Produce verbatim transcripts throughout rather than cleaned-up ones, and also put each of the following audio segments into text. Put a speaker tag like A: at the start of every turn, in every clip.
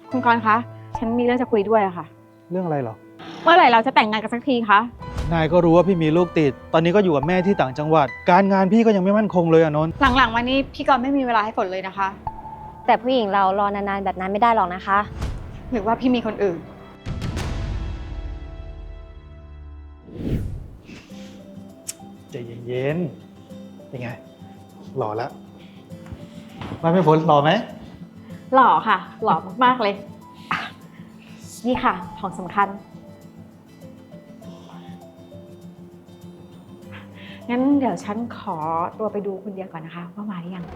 A: คุณกรณ์คะฉันมีเรื่องจะคุยด้วยอะค่ะ
B: เรื่องอะไรเหรอ
A: เมื่อไหร่เราจะแต่งงานกันสักทีคะ
B: นายก็รู้ว่าพี่มีลูกติดตอนนี้ก็อยู่กับแม่ที่ต่างจังหวัดการงานพี่ก็ยังไม่มั่นคงเลยอะนนท์
A: หลังๆมานี้พี่กรณ์ไม่มีเวลาให้ฝนเลยนะคะ
C: แต่ผู้หญิงเรารอนานๆแบบนั้นไม่ได้หรอกนะคะ
A: หรือว่าพี่มีคนอื่น
B: ใจเย็นๆเป็นไงหล่อแล้วมาไม่ฝนหล่อไหม
A: หล่อค่ะหล่อมากๆเลยอ่ะนี่ค่ะของสำคัญงั้นเดี๋ยวฉันขอตัวไปดูคุณเดียก่อนนะคะว่ามาหรือยัง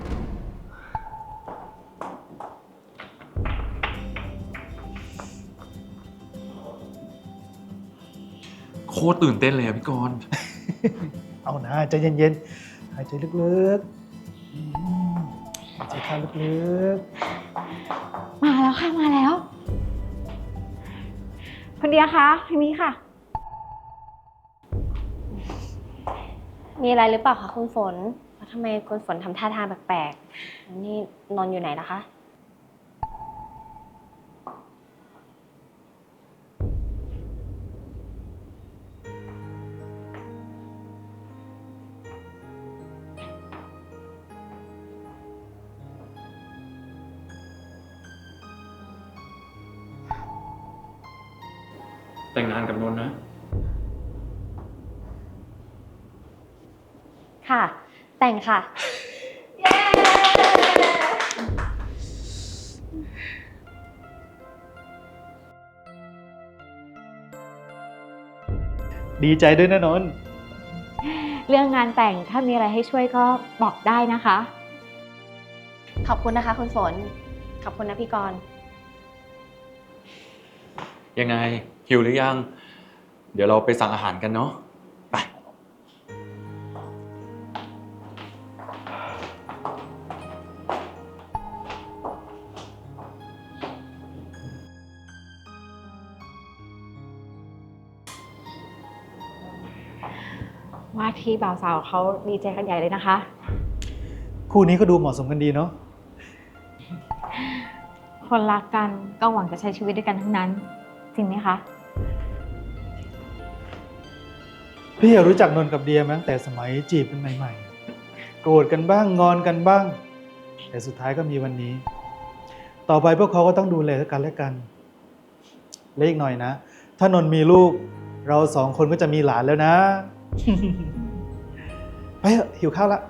D: โคตรตื่นเต้นเลยอะพี่กรณ์
B: เอานะใจเย็นๆหายใจลึกๆอืมหายใจเข้าลึกๆ
A: มาแล้วค่ะมาแล้วคุณเดียคะทางนี้ค่ะ
C: มีอะไรหรือเปล่าคะคุณฝนแล้วทำไมคุณฝนทำท่าทางแปลกๆนี่นอนอยู่ไหนล่ะคะ
D: แต่งงานกับนนท์นะ
C: ค่ะ แต่งค่ะ
B: ดีใจด้วยนะนนท์
A: เรื่องงานแต่งถ้ามีอะไรให้ช่วยก็บอกได้นะคะ
C: ขอบคุณนะคะคุณฝน ขอบคุณนะพี่กรณ์
D: ยังไงหิวหรือยัง เดี๋ยวเราไปสั่งอาหารกันเนาะไป
A: ว่าที่บ่าวสาวเขาดีใจกันใหญ่เลยนะคะ
B: คู่นี้ก็ดูเหมาะสมกันดีเนาะ
A: คนรักกันก็หวังจะใช้ชีวิตด้วยกันทั้งนั้น จริงไหมคะ
B: พี่รู้จักนนท์กับเดียมาตั้งแต่สมัยจีบกันใหม่ๆโกรธกันบ้างงอนกันบ้างแต่สุดท้ายก็มีวันนี้ ต่อไปพวกเขาก็ต้องดูแลกันและกันและอีกหน่อยนะถ้านนท์มีลูกเราสองคนก็จะมีหลานแล้วนะ ไปเถอะหิวข้าวละ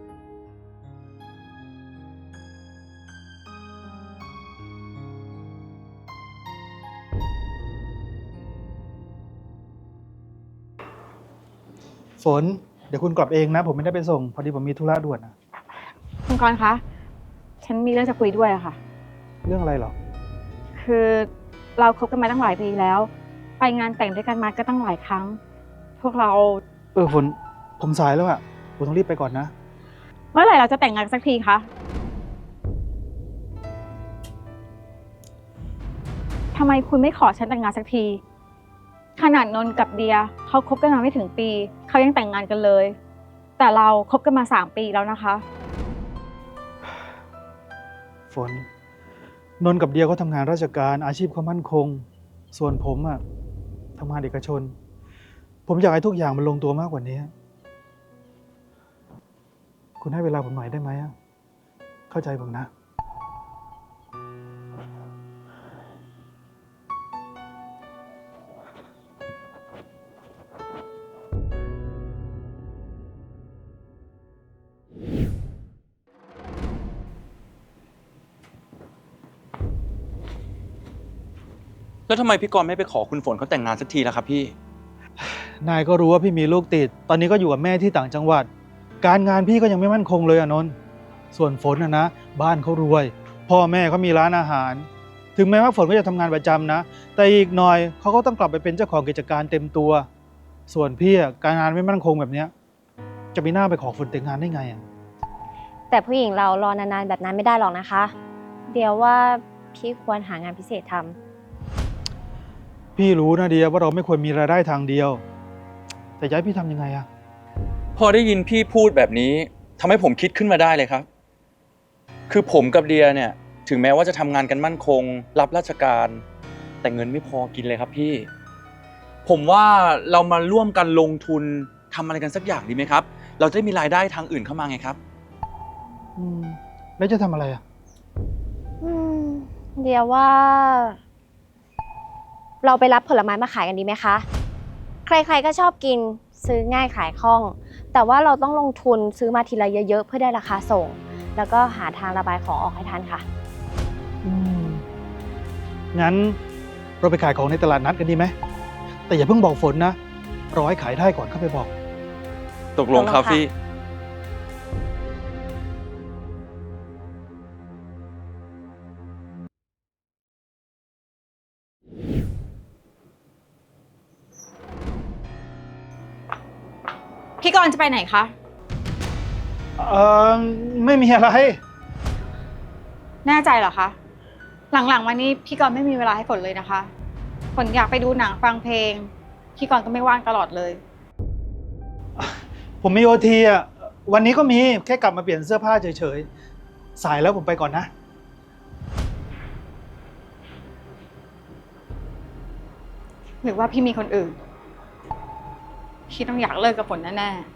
B: ฝนเดี๋ยวคุณกลับเองนะผมไม่ได้ไปส่งพอดีผมมีธุระด่วนนะ
A: คุณกรณ์คะ ฉันมีเรื่องจะคุยด้วยอะค่ะ
B: เรื่องอะไรเหรอ
A: คือเราคบกันมาตั้งหลายปีแล้ว ไปงานแต่งด้วยกันมาก็ตั้งหลายครั้ง พวกเรา
B: เออฝนผมสายแล้วอะผมต้องรีบไปก่อนนะ
A: เมื่อไหร่เราจะแต่งงานกันสักทีคะทำไมคุณไม่ขอฉันแต่งงานสักที ขนาดนนท์กับเดียเขาคบกันมาไม่ถึงปีเขายังแต่งงานกันเลย แต่เราคบกันมาสามปีแล้วนะคะ
B: ฝนนนท์กับเดียเขาทำงานราชการอาชีพเขามั่นคง ส่วนผมอะทำงานเอกชน ผมอยากให้ทุกอย่างมันลงตัวมากกว่านี้ คุณให้เวลาผมหน่อยได้ไหมอะเข้าใจผมนะ
D: แล้วทำไมพี่กรณ์ไม่ไปขอคุณฝนเขาแต่งงานสักทีล่ะครับพี่
B: นายก็รู้ว่าพี่มีลูกติด ตอนนี้ก็อยู่กับแม่ที่ต่างจังหวัด การงานพี่ก็ยังไม่มั่นคงเลยอะนนท์ส่วนฝนนะนะบ้านเขารวย พ่อแม่เขามีร้านอาหาร ถึงแม้ว่าฝนก็จะทำงานประจำนะ แต่อีกหน่อยเขาก็ต้องกลับไปเป็นเจ้าของกิจการเต็มตัว ส่วนพี่อะการงานไม่มั่นคงแบบเนี้ยจะมีหน้าไปขอฝนแต่งงานได้ไงอะ
C: แต่ผู้หญิงเรารอนานๆแบบนั้นไม่ได้หรอกนะคะ เดี๋ยวว่าพี่ควรหางานพิเศษทำ
B: พี่รู้นะเดียว่าเราไม่ควรมีรายได้ทางเดียว แต่จะให้พี่ทำยังไงอะ
D: พอได้ยินพี่พูดแบบนี้ทำให้ผมคิดขึ้นมาได้เลยครับ คือผมกับเดียเนี่ยถึงแม้ว่าจะทำงานกันมั่นคง รับราชการ แต่เงินไม่พอกินเลยครับพี่ ผมว่าเรามาร่วมกันลงทุนทำอะไรกันสักอย่างดีไหมครับ เราจะได้มีรายได้ทางอื่นเข้ามาไงครับ
B: อืมแล้วจะทำอะไรอ่ะ
C: อืมเดียวว่า เราไปรับผลไม้มาขายกันดีไหมคะ ใครๆก็ชอบกินซื้อง่ายขายคล่อง แต่ว่าเราต้องลงทุนซื้อมาทีละเยอะๆเพื่อได้ราคาส่ง แล้วก็หาทางระบายของออกให้ทันค่ะ
B: อืมงั้นเราไปขายของในตลาดนัดกันดีไหม แต่อย่าเพิ่งบอกฝนนะรอให้ขายได้ก่อนเข้าไปบอก
D: ตกลงครับพี่
A: พี่กรณ์จะไปไหนคะ
B: เออไม่มีอะไร
A: แน่ใจเหรอคะ หลังๆวันนี้พี่กรณ์ไม่มีเวลาให้ฝนเลยนะคะ ฝนอยากไปดูหนังฟังเพลง พี่กรณ์ก็ไม่ว่างตลอดเลย
B: ผมมีโอทีอ่ะ วันนี้ก็มีแค่กลับมาเปลี่ยนเสื้อผ้าเฉยๆ สายแล้วผมไปก่อนนะ
A: หรือว่าพี่มีคนอื่น พี่ต้องอยากเลิกกับฝนแน่ๆ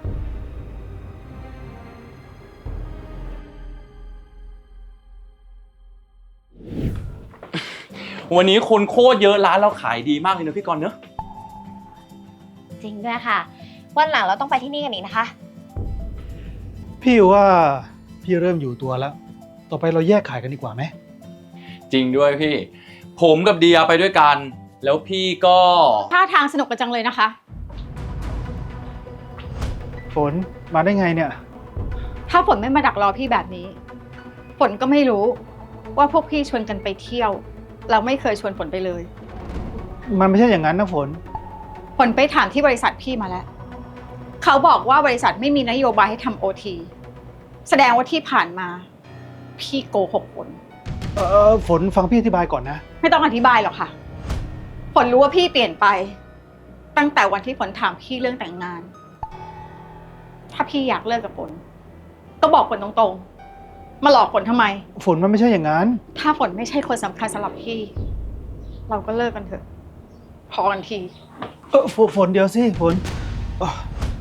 D: วันนี้คนโคตรเยอะร้านเราขายดีมากเลยนะพี่กรณ์เนอะ
C: จริงด้วยค่ะ วันหลังเราต้องไปที่นี่กันอีกนะคะ
B: พี่ว่าพี่เริ่มอยู่ตัวแล้ว ต่อไปเราแยกขายกันดีกว่าไหม
D: จริงด้วยพี่ ผมกับเดียไปด้วยกัน แล้วพี่ก็
A: ท่าทางสนุกกันจังเลยนะคะ
B: ฝนมาได้ไงเนี่ย
A: ถ้าฝนไม่มาดักรอพี่แบบนี้ ฝนก็ไม่รู้ว่าพวกพี่ชวนกันไปเที่ยว เราไม่เคยชวนฝนไปเลย
B: มันไม่ใช่อย่างนั้นนะฝน
A: ฝนไปถามที่บริษัทพี่มาแล้ว เขาบอกว่าบริษัทไม่มีนโยบายให้ทำโอทีแสดงว่าที่ผ่านมา พี่โกหกฝน
B: เออฝนฟังพี่อธิบายก่อนนะ
A: ไม่ต้องอธิบายหรอกค่ะ ฝนรู้ว่าพี่เปลี่ยนไป ตั้งแต่วันที่ฝนถามพี่เรื่องแต่งงาน ถ้าพี่อยากเลิกกับฝน ก็บอกฝนตรงๆ มาหลอกฝนทำไม
B: ฝนมันไม่ใช่อย่างนั้น
A: ถ้าฝนไม่ใช่คนสำคัญสำหรับพี่ เราก็เลิกกันเถอะ พอกันที
B: เออฝฝนเดียวสิฝนเอ่อ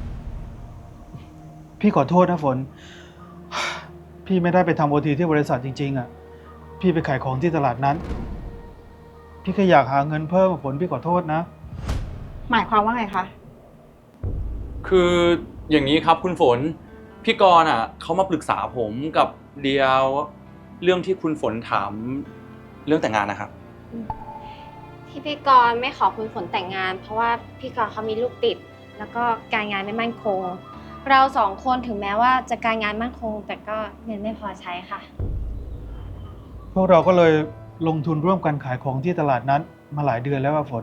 B: พี่ขอโทษนะฝน พี่ไม่ได้ไปทำโอทีที่บริษัทจริงๆอ่ะ พี่ไปขายของที่ตลาดนั้น พี่แค่อยากหาเงินเพิ่มฝนพี่ขอโทษนะ
A: หมายความว่าไงคะ
D: คืออย่างนี้ครับคุณฝน พี่กรณ์อ่ะเขามาปรึกษาผมกับเดียวเรื่องที่คุณฝนถามเรื่องแต่งงานนะครับ
C: ที่พี่กรณ์ไม่ขอคุณฝนแต่งงาน เพราะว่าพี่กรณ์เขามีลูกติด แล้วก็การงานไม่มั่นคง เราสองคนถึงแม้ว่าจะการงานมั่นคง แต่ก็เงินไม่พอใช้ค่ะ
B: พวกเราก็เลยลงทุนร่วมกันขายของที่ตลาดนั้นมาหลายเดือนแล้วว่าฝน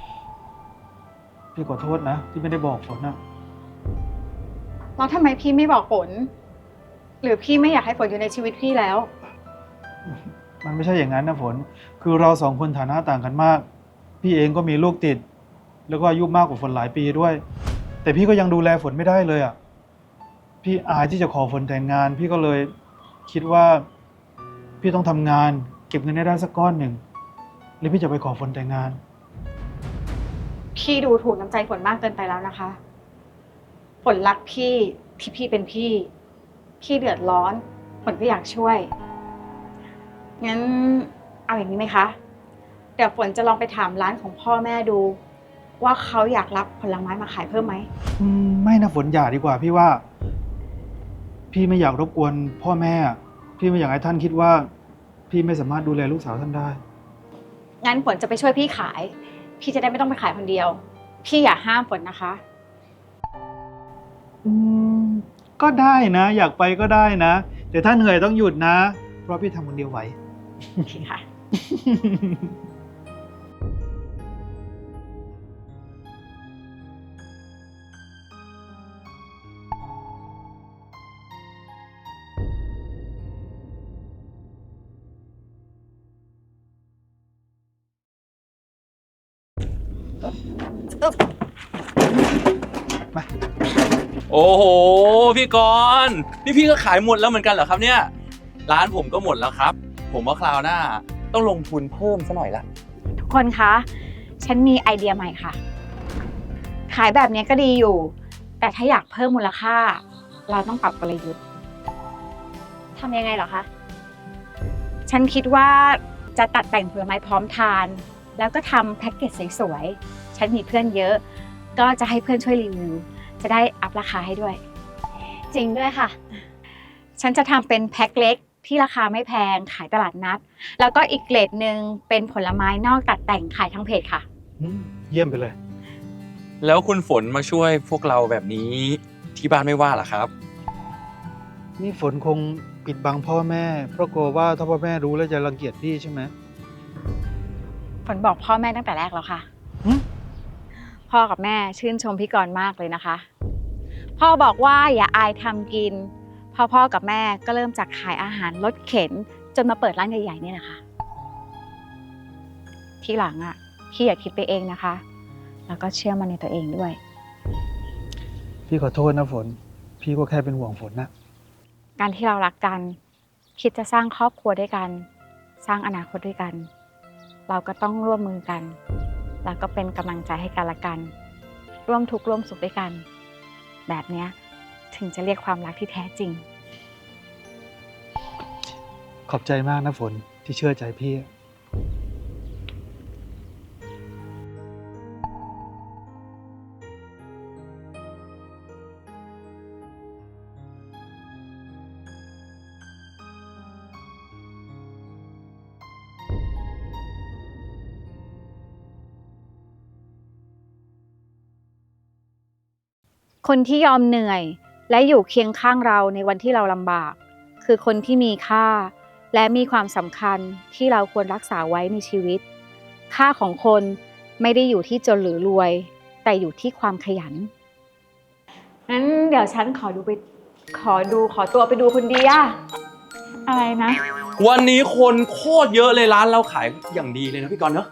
B: พี่ขอโทษนะที่ไม่ได้บอกฝนนะ
A: แล้วทำไมพี่ไม่บอกฝน หรือพี่ไม่อยากให้ฝนอยู่ในชีวิตพี่แล้ว
B: มันไม่ใช่อย่างนั้นนะฝน คือเราสองคนฐานะต่างกันมาก พี่เองก็มีลูกติด แล้วก็อายุมากกว่าฝนหลายปีด้วย แต่พี่ก็ยังดูแลฝนไม่ได้เลยอ่ะ พี่อายที่จะขอฝนแต่งงาน พี่ก็เลยคิดว่า พี่ต้องทำงาน เก็บเงินให้ได้สักก้อนหนึ่งแล้วพี่จะไปขอฝนแต่งงาน
A: พี่ดูถูกน้ำใจฝนมากเกินไปแล้วนะคะ ฝนรักพี่ที่พี่เป็นพี่ พี่เดือดร้อน ฝนก็อยากช่วย งั้นเอาอย่างนี้ไหมคะ เดี๋ยวฝนจะลองไปถามร้านของพ่อแม่ดู ว่าเขาอยากรับผลไม้มาขายเพิ่มไหม
B: อืมไม่นะฝนอย่าดีกว่า พี่ว่า พี่ไม่อยากรบกวนพ่อแม่ พี่ไม่อยากให้ท่านคิดว่า พี่ไม่สามารถดูแลลูกสาวท่านได้
A: งั้นฝนจะไปช่วยพี่ขาย พี่จะได้ไม่ต้องไปขายคนเดียว พี่อย่าห้ามฝนนะคะ
B: อืมก็ได้นะ อยากไปก็ได้นะ แต่ถ้าเหนื่อยต้องหยุดนะ เพราะพี่ทำคนเดียวไหว
A: โอเคค่ะ
B: มา
D: โอ้โหพี่กรณ์นี่พี่ก็ขายหมดแล้วเหมือนกันเหรอครับเนี่ยร้านผมก็หมดแล้วครับผมว่าคราวหน้าต้องลงทุนเพิ่มซะหน่อยละ
A: ทุกคนคะ ฉันมีไอเดียใหม่ค่ะ ขายแบบนี้ก็ดีอยู่ แต่ถ้าอยากเพิ่มมูลค่า เราต้องปรับกลยุทธ์
C: ทำยังไงเหรอคะ
A: ฉันคิดว่าจะตัดแต่งผลไม้พร้อมทาน แล้วก็ทำแพ็กเกจสวยๆ ฉันมีเพื่อนเยอะ ก็จะให้เพื่อนช่วยรีวิว จะได้อัพราคาให้ด้วย
C: จริงด้วยค่ะ
A: ฉันจะทำเป็นแพ็คเล็กที่ราคาไม่แพงขายตลาดนัด แล้วก็อีกเกรดหนึ่งเป็นผลไม้นอกตัดแต่งขายทั้งเพจค่ะ
B: อืมเยี่ยมไปเลย
D: แล้วคุณฝนมาช่วยพวกเราแบบนี้ที่บ้านไม่ว่าเหรอครับ
B: นี่ฝนคงปิดบังพ่อแม่ เพราะกลัวว่าถ้าพ่อแม่รู้แล้วจะรังเกียจพี่ใช่ไหม
A: ฝนบอกพ่อแม่ตั้งแต่แรกแล้วค่ะ
B: หึ
A: พ่อกับแม่ชื่นชมพี่กรณ์มากเลยนะคะ พ่อบอกว่าอย่าอายทำกิน พ่อพ่อกับแม่ก็เริ่มจากขายอาหารรถเข็น จนมาเปิดร้านใหญ่ๆเนี่ยนะคะ ที่หลังอ่ะพี่อย่าคิดไปเองนะคะ แล้วก็เชื่อมั่นในตัวเองด้วย
B: พี่ขอโทษนะฝน พี่ก็แค่เป็นห่วงฝนนะ
A: การที่เรารักกัน คิดจะสร้างครอบครัวด้วยกัน สร้างอนาคตด้วยกัน เราก็ต้องร่วมมือกัน แล้วก็เป็นกำลังใจให้กันและกัน ร่วมทุกข์ร่วมสุขด้วยกัน แบบเนี้ยถึงจะเรียกความรักที่แท้จริง
B: ขอบใจมากนะฝนที่เชื่อใจพี่
A: คนที่ยอมเหนื่อยและอยู่เคียงข้างเราในวันที่เราลำบาก คือคนที่มีค่า และมีความสำคัญที่เราควรรักษาไว้ในชีวิต ค่าของคนไม่ได้อยู่ที่จนหรือรวย แต่อยู่ที่ความขยันงั้นเดี๋ยวฉันขอดูไปขอดูขอตัวไปดูคุณเดียอะไรนะ
D: วันนี้คนโคตรเยอะเลยร้านเราขายอย่างดีเลยนะพี่กรณ์เนอะ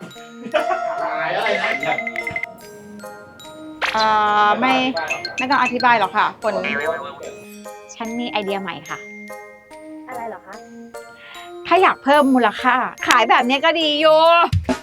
A: เอ่อไม่ไม่ต้องอธิบายหรอกค่ะฝนฉันมีไอเดียใหม่ค่ะ
C: อะไรเหรอคะ
A: ถ้าอยากเพิ่มมูลค่า ขายแบบนี้ก็ดีอยู่